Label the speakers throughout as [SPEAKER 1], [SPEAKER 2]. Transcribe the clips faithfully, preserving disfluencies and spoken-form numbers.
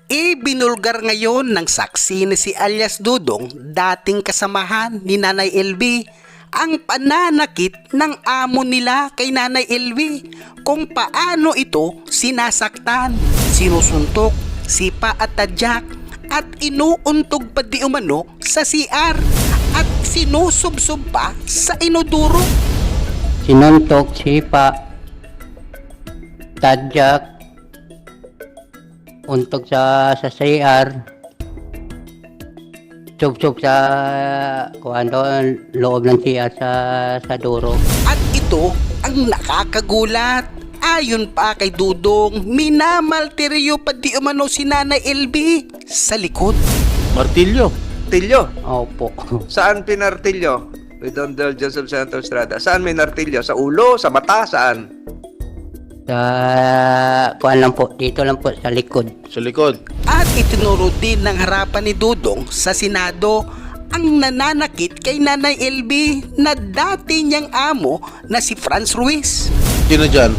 [SPEAKER 1] Ibinulgar ngayon ng saksi na si alias Dudong, dating kasamahan ni Nanay L V, ang pananakit ng amo nila kay Nanay L V, kung paano ito sinasaktan, sinusuntok, sipa at tadyak, at inuuntog pa di umano sa C R at sinusubsob pa sa inodoro.
[SPEAKER 2] Sinuntok, sipa, tadyak, untog sa sa C R, sub-sub sa kuan doon, loob ng C R sa sa duro.
[SPEAKER 1] At ito ang nakakagulat. Ayon pa kay Dudong, minamalteryo pa di umano si Nanay L V sa likod.
[SPEAKER 3] Martilyo.
[SPEAKER 4] Martilyo?
[SPEAKER 2] Opo.
[SPEAKER 4] Saan pinartilyo? With Don Del Joseph Santos Estrada. Saan may nartilyo? Sa ulo? Sa mata? Saan?
[SPEAKER 2] Sa kuan lang po, dito lang po sa likod.
[SPEAKER 3] Sa likod.
[SPEAKER 1] At itinuro din ng harapan ni Dudong sa Senado ang nananakit kay Nanay L V na dati niyang amo na si Franz Ruiz.
[SPEAKER 3] Sino dyan?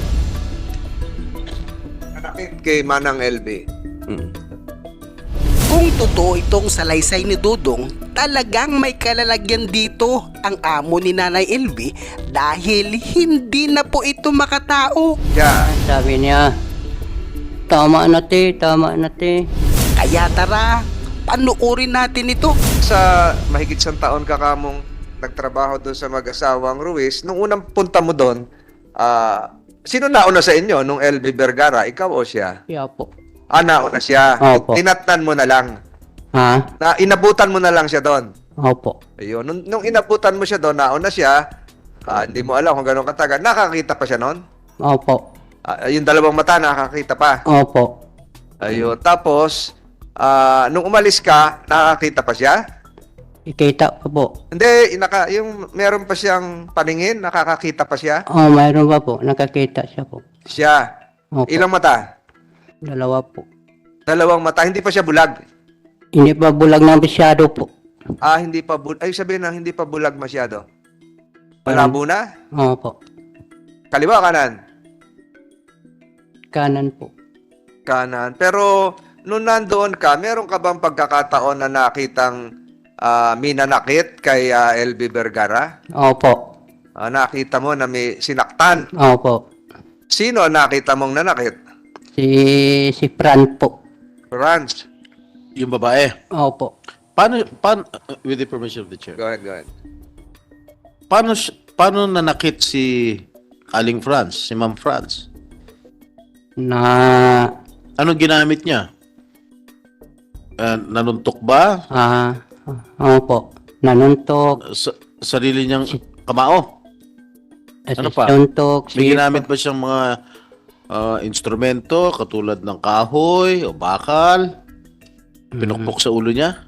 [SPEAKER 4] Nakit kay Manang L V.
[SPEAKER 3] Hmm.
[SPEAKER 1] Kung totoo itong salaysay ni Dudong, talagang may kalalagyan dito ang amo ni Nanay L V dahil hindi na po ito makatao.
[SPEAKER 4] Yeah.
[SPEAKER 2] Sabi niya, tama na te, tama na te.
[SPEAKER 1] Kaya tara, panuorin natin ito.
[SPEAKER 4] Sa mahigit isang taon ka kamong nagtrabaho doon sa mag-asawang Ruiz, nung unang punta mo doon, ah, sino nauna sa inyo? Nung L V Vergara, ikaw o siya?
[SPEAKER 2] Siya po.
[SPEAKER 4] Ah, nauna siya.
[SPEAKER 2] Opo.
[SPEAKER 4] Tinatnan mo na lang.
[SPEAKER 2] Ha?
[SPEAKER 4] Na inabutan mo na lang siya doon.
[SPEAKER 2] Opo.
[SPEAKER 4] Ayun. Nung, nung inabutan mo siya doon, nauna siya, ah, hindi mo alam kung gano'ng katagal. Nakakita pa siya noon?
[SPEAKER 2] Opo.
[SPEAKER 4] Ah, yung dalawang mata, nakakita pa.
[SPEAKER 2] Opo.
[SPEAKER 4] Ayun. Tapos, ah, nung umalis ka, nakakita pa siya?
[SPEAKER 2] Ikita pa po.
[SPEAKER 4] Hindi, naka, yung meron pa siyang paningin, nakakakita pa siya?
[SPEAKER 2] Oh, mayroon pa po. Nakakita siya po.
[SPEAKER 4] Siya.
[SPEAKER 2] Opo.
[SPEAKER 4] Ilang mata?
[SPEAKER 2] Dalawa po.
[SPEAKER 4] Dalawang mata. Hindi pa siya bulag.
[SPEAKER 2] Hindi pa bulag na masyado po.
[SPEAKER 4] Ah, hindi pa bulag. Ay, sabihin na, hindi pa bulag masyado. Malabo na?
[SPEAKER 2] Opo.
[SPEAKER 4] Kaliwa, kanan?
[SPEAKER 2] Kanan po.
[SPEAKER 4] Kanan. Pero, nung nandoon ka, meron ka bang pagkakataon na nakitang ah, minanakit kay ah, L V Vergara?
[SPEAKER 2] Opo.
[SPEAKER 4] Ah, nakita mo na may sinaktan.
[SPEAKER 2] Opo.
[SPEAKER 4] Sino ang nakita mong nanakit?
[SPEAKER 2] Si si Fran po.
[SPEAKER 4] Franz.
[SPEAKER 3] Yung babae.
[SPEAKER 2] Opo.
[SPEAKER 3] Paano, paano, uh, with the permission of the chair,
[SPEAKER 4] Go ahead, go ahead.
[SPEAKER 3] paano, si- paano nanakit si Aling Franz, si Ma'am Franz?
[SPEAKER 2] Na
[SPEAKER 3] Anong ginamit niya? Uh, nanuntok ba?
[SPEAKER 2] ah opo. Nanuntok.
[SPEAKER 3] Sa, sarili niyang kamao? Ano pa?
[SPEAKER 2] Nanuntok.
[SPEAKER 3] May ginamit ba siyang mga uh, instrumento katulad ng kahoy o bakal? Pinukpok sa ulo niya?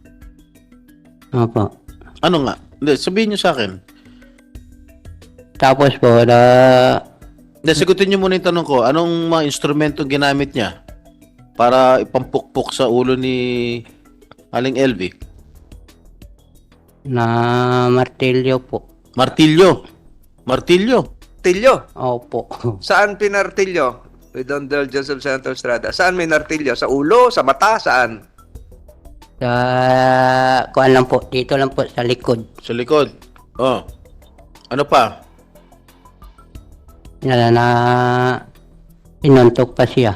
[SPEAKER 2] Opo.
[SPEAKER 3] Ano nga? Hindi, sabihin niyo sa akin.
[SPEAKER 2] Tapos po na
[SPEAKER 3] Hindi, sagutin niyo muna yung tanong ko. Anong mga instrumento ginamit niya para ipampukpok sa ulo ni Aling L V?
[SPEAKER 2] na martilyo po.
[SPEAKER 3] Martilyo. Martilyo.
[SPEAKER 4] Tilyo.
[SPEAKER 2] Opo.
[SPEAKER 4] Saan pinartilyo? With Don Del Joseph Santos Estrada. Saan may nartilyo? Sa ulo? Sa mata? Saan?
[SPEAKER 2] Sa kuan lang po, dito lang po sa likod.
[SPEAKER 3] Sa likod. Oh. Ano pa?
[SPEAKER 2] Na na sinuntok pa siya.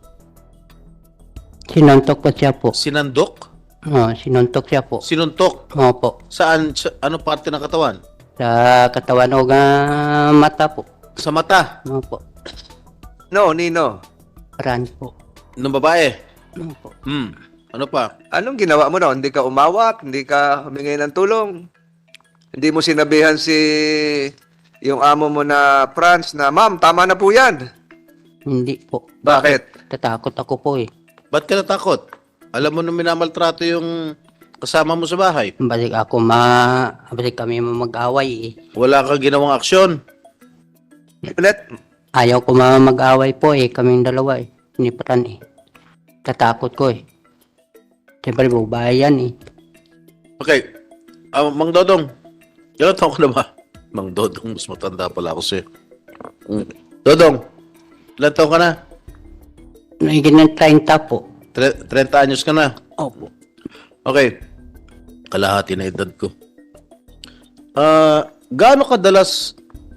[SPEAKER 2] Sinuntok pa siya po.
[SPEAKER 3] Sinandok?
[SPEAKER 2] Oh, sinuntok siya po.
[SPEAKER 3] Sinuntok?
[SPEAKER 2] Opo.
[SPEAKER 3] Saan? Sa, ano parte ng katawan?
[SPEAKER 2] Sa katawan o nga mata po.
[SPEAKER 3] Sa mata?
[SPEAKER 2] Opo.
[SPEAKER 4] No, Nino.
[SPEAKER 2] Fran po.
[SPEAKER 3] Ng babae?
[SPEAKER 2] Opo.
[SPEAKER 3] Hmm. Ano pa?
[SPEAKER 4] Anong ginawa mo noon? Hindi ka umawat? Hindi ka humingi ng tulong? Hindi mo sinabihan si yung amo mo na Franz na, "Ma'am, tama na po yan."
[SPEAKER 2] Hindi po.
[SPEAKER 4] Bakit?
[SPEAKER 2] Tatakot ako po eh.
[SPEAKER 3] Ba't ka natakot? Alam mo nung minamaltrato yung kasama mo sa bahay.
[SPEAKER 2] Balik ako ma... Balik kami mag-away eh.
[SPEAKER 3] Wala kang ginawang aksyon.
[SPEAKER 4] Ulit?
[SPEAKER 2] Ayaw ko ma mag-away po eh. Kaming dalawa eh. Ni Fran eh. Tatakot ko eh. Siyempre bubahay yan eh.
[SPEAKER 3] Okay. Ah, Mang Dodong. Ilan taon ka na ba? Mang Dodong, mas matanda pala ako sa'yo. Mm. Dodong, ilan taon ka na?
[SPEAKER 2] Naigit ng thirty po.
[SPEAKER 3] Tre- thirty anyos ka na.
[SPEAKER 2] Opo.
[SPEAKER 3] Okay. Kalahati na edad ko. Ah, gaano kadalas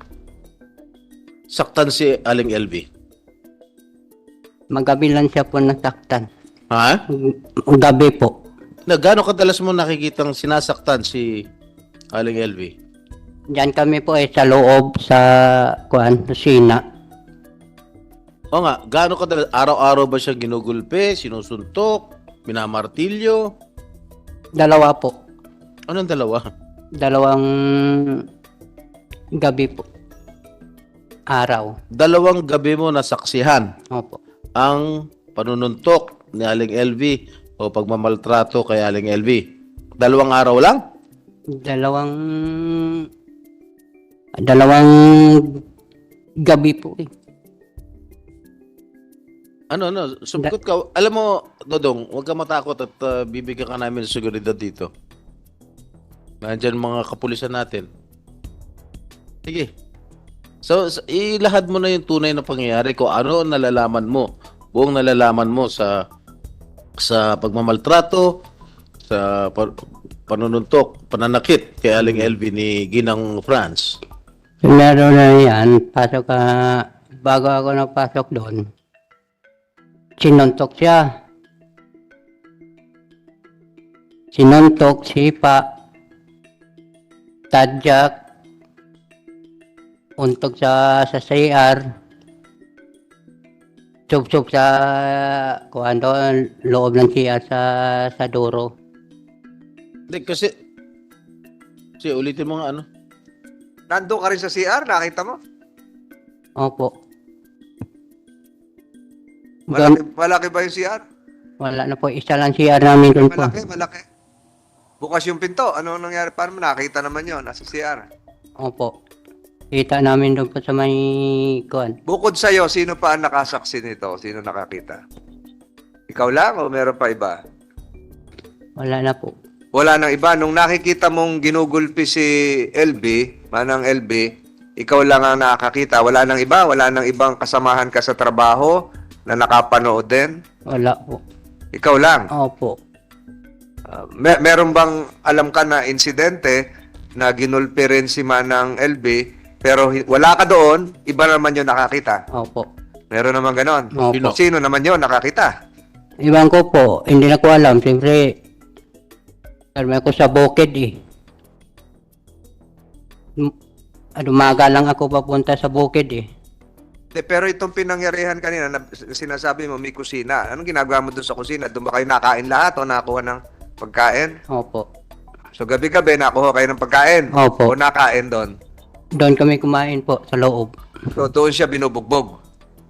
[SPEAKER 3] saktan si Aling L V?
[SPEAKER 2] Magabi lang siya po nasaktan.
[SPEAKER 3] Ha?
[SPEAKER 2] Gabi po.
[SPEAKER 3] Na gaano kadalas mo nakikitang sinasaktan si Aling L V?
[SPEAKER 2] Diyan kami po eh sa loob sa kuan, kusina.
[SPEAKER 3] O nga, gaano kadalas? Araw-araw ba siya ginugulpe, sinusuntok, minamartilyo?
[SPEAKER 2] Dalawa po.
[SPEAKER 3] Anong dalawa?
[SPEAKER 2] Dalawang gabi po. Araw.
[SPEAKER 3] Dalawang gabi mo nasaksihan
[SPEAKER 2] Opo.
[SPEAKER 3] ang panununtok ni Aling L V o pagmamaltrato kay Aling L V. Dalawang araw lang?
[SPEAKER 2] Dalawang dalawang gabi po eh.
[SPEAKER 3] Ano, ano, sumagot ka. Alam mo, Dodong, huwag ka matakot at uh, bibigyan ka namin ng seguridad dito. Nandyan mga kapulisan natin. Sige. So, s- ilahad mo na yung tunay na pangyayari kung ano ang nalalaman mo. Buong nalalaman mo sa sa pagmamaltrato, sa pa- panununtok, pananakit kay Aling L V ni Ginang France.
[SPEAKER 2] Meron na yan, pasok ka, bago ako napasok doon, sinuntok siya. Sinuntok, sipa, tadyak, untog sa sa C R, sub-sub sa kuhan doon, loob ng C R sa sa duro.
[SPEAKER 3] Hindi, kasi... Kasi ulitin mo nga ano.
[SPEAKER 4] Nandun ka rin sa C R, nakita mo?
[SPEAKER 2] Opo.
[SPEAKER 4] Malaki, malaki ba yung C R?
[SPEAKER 2] Wala na po, isa lang C R namin doon po.
[SPEAKER 4] Malaki, malaki. Bukas yung pinto. Ano nangyari? Paano mo nakita naman yun? Nasa C R.
[SPEAKER 2] Opo. Kita namin doon po sa may kuhan.
[SPEAKER 4] Bukod sa'yo, sino pa ang nakasaksi nito? Sino nakakita? Ikaw lang o meron pa iba?
[SPEAKER 2] Wala na po.
[SPEAKER 4] Wala nang iba. Nung nakikita mong ginugulpi si L B, manang L B, ikaw lang ang nakakita. Wala nang iba? Wala nang ibang kasamahan ka sa trabaho na nakapanood din?
[SPEAKER 2] Wala po.
[SPEAKER 4] Ikaw lang.
[SPEAKER 2] Opo.
[SPEAKER 4] Uh, mer- meron bang alam ka na insidente na ginulpi rin si manang L B, pero hi- wala ka doon, iba naman yung nakakita?
[SPEAKER 2] Opo.
[SPEAKER 4] Meron naman ganon.
[SPEAKER 2] Opo.
[SPEAKER 4] Sino naman yun nakakita?
[SPEAKER 2] Iwan ko po, hindi na ko alam. Siyempre, karmi ako sa bukid eh. M- Ano, umaga lang ako papunta sa bukid eh.
[SPEAKER 4] De, pero itong pinangyarihan kanina na sinasabi mo may kusina. Anong ginagawa mo doon sa kusina? Doon ba kayo nakain lahat o nakuha ng pagkain?
[SPEAKER 2] Opo.
[SPEAKER 4] So gabi-gabi nakuha kayo ng pagkain?
[SPEAKER 2] Opo.
[SPEAKER 4] O nakain doon?
[SPEAKER 2] Doon kami kumain po sa loob.
[SPEAKER 4] So doon siya binubugbog.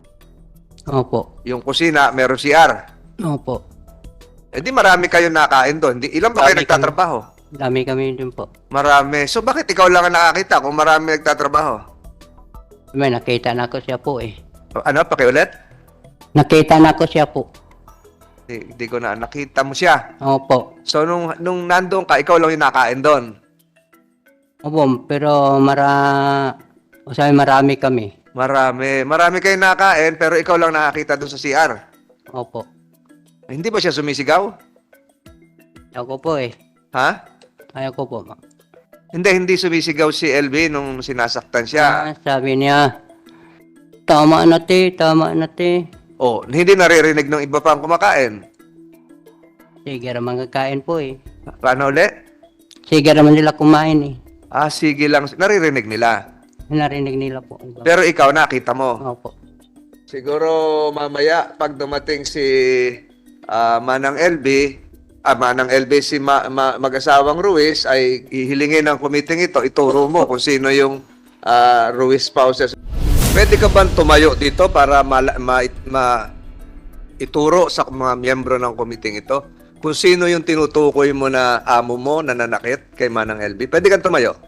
[SPEAKER 2] Opo.
[SPEAKER 4] Yung kusina, meron C R.
[SPEAKER 2] Opo.
[SPEAKER 4] Eh di marami kayo nakain doon. Di, ilan ba kayo
[SPEAKER 2] Marami
[SPEAKER 4] nagtatrabaho?
[SPEAKER 2] Dami kami din po.
[SPEAKER 4] Marami. So bakit ikaw lang ang nakakita kung marami nagtatrabaho?
[SPEAKER 2] May nakita na ko siya po eh.
[SPEAKER 4] Ano? Pakiulit?
[SPEAKER 2] Nakita na ko siya po.
[SPEAKER 4] Hindi, hindi ko na. Nakita mo siya.
[SPEAKER 2] Opo.
[SPEAKER 4] So nung, nung nandoon ka, ikaw lang yung nakain doon.
[SPEAKER 2] Opo, pero mara... O sabi, marami kami.
[SPEAKER 4] Marami. Marami kayong nakain pero ikaw lang nakakita doon sa C R.
[SPEAKER 2] Opo.
[SPEAKER 4] Hindi ba siya sumisigaw?
[SPEAKER 2] Ako po eh.
[SPEAKER 4] Ha?
[SPEAKER 2] Ayaw ko po. Ma.
[SPEAKER 4] Hindi, hindi sumisigaw si L B nung sinasaktan siya.
[SPEAKER 2] Ah, sabi niya, tama na te, tama na te.
[SPEAKER 4] Oh, hindi naririnig ng iba pang kumakain.
[SPEAKER 2] Sige naman kakain po eh.
[SPEAKER 4] Paano ulit?
[SPEAKER 2] Sige naman nila kumain eh.
[SPEAKER 4] Ah, sige lang. Naririnig nila.
[SPEAKER 2] Narinig nila po.
[SPEAKER 4] Pero ikaw nakita mo.
[SPEAKER 2] Opo.
[SPEAKER 4] Siguro mamaya pag dumating si ah, Manang L B, ah, Manang L B si ma- ma- mag-asawang Ruiz ay ihilingin ng committee ito, ituro mo kung sino yung ah, Ruiz spouses. Pwede ka bang tumayo dito para ma- ma- ma- ituro sa mga miyembro ng committee ito kung sino yung tinutukoy mo na amo mo na nanakit kay Manang L B? Pwede kang tumayo.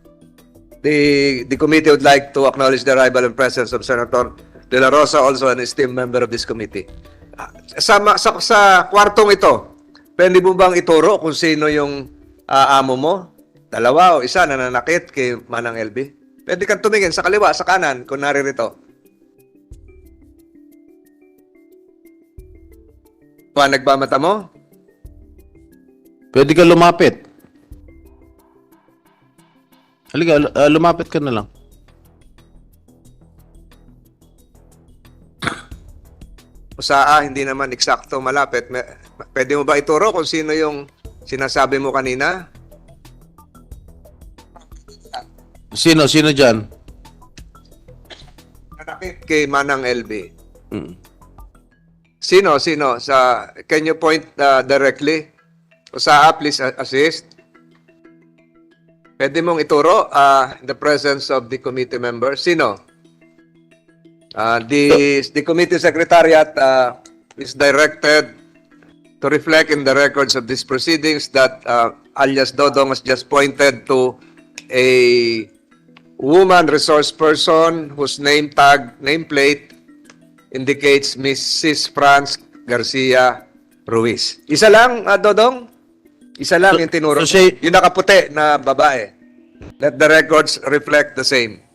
[SPEAKER 4] The, the committee would like to acknowledge the arrival and presence of Senator De La Rosa, also an esteemed member of this committee. Ah, Sa, ma- sa, sa kwartong ito, pwede mo bang ituro kung sino yung ah, amo mo? Dalawa o isa na nanakit kay Manang L B? Pwede kang tumingin sa kaliwa, sa kanan, kung naririto. Pa, nagbamata mo?
[SPEAKER 3] Pwede ka lumapit. Halika, l- ah, lumapit ka na lang.
[SPEAKER 4] O sa A, hindi naman eksakto malapit. May- Pwede mo ba ituro kung sino yung sinasabi mo kanina?
[SPEAKER 3] Sino? Sino dyan?
[SPEAKER 4] Nanakit kay Manang L B.
[SPEAKER 3] Mm.
[SPEAKER 4] Sino? Sino? Sa, can you point uh, directly? O sa A, please uh, assist. Pwede mong ituro uh, in the presence of the committee member. Sino? Uh, the, the committee secretariat uh, is directed to reflect in the records of these proceedings that uh, alias Dodong has just pointed to a woman resource person whose name tag, nameplate indicates Missus Franz Garcia Ruiz. Isa lang, uh, Dodong? Isa lang
[SPEAKER 3] So-
[SPEAKER 4] yung tinuro.
[SPEAKER 3] so siya-
[SPEAKER 4] Yung nakaputi na babae. Let the records reflect the same.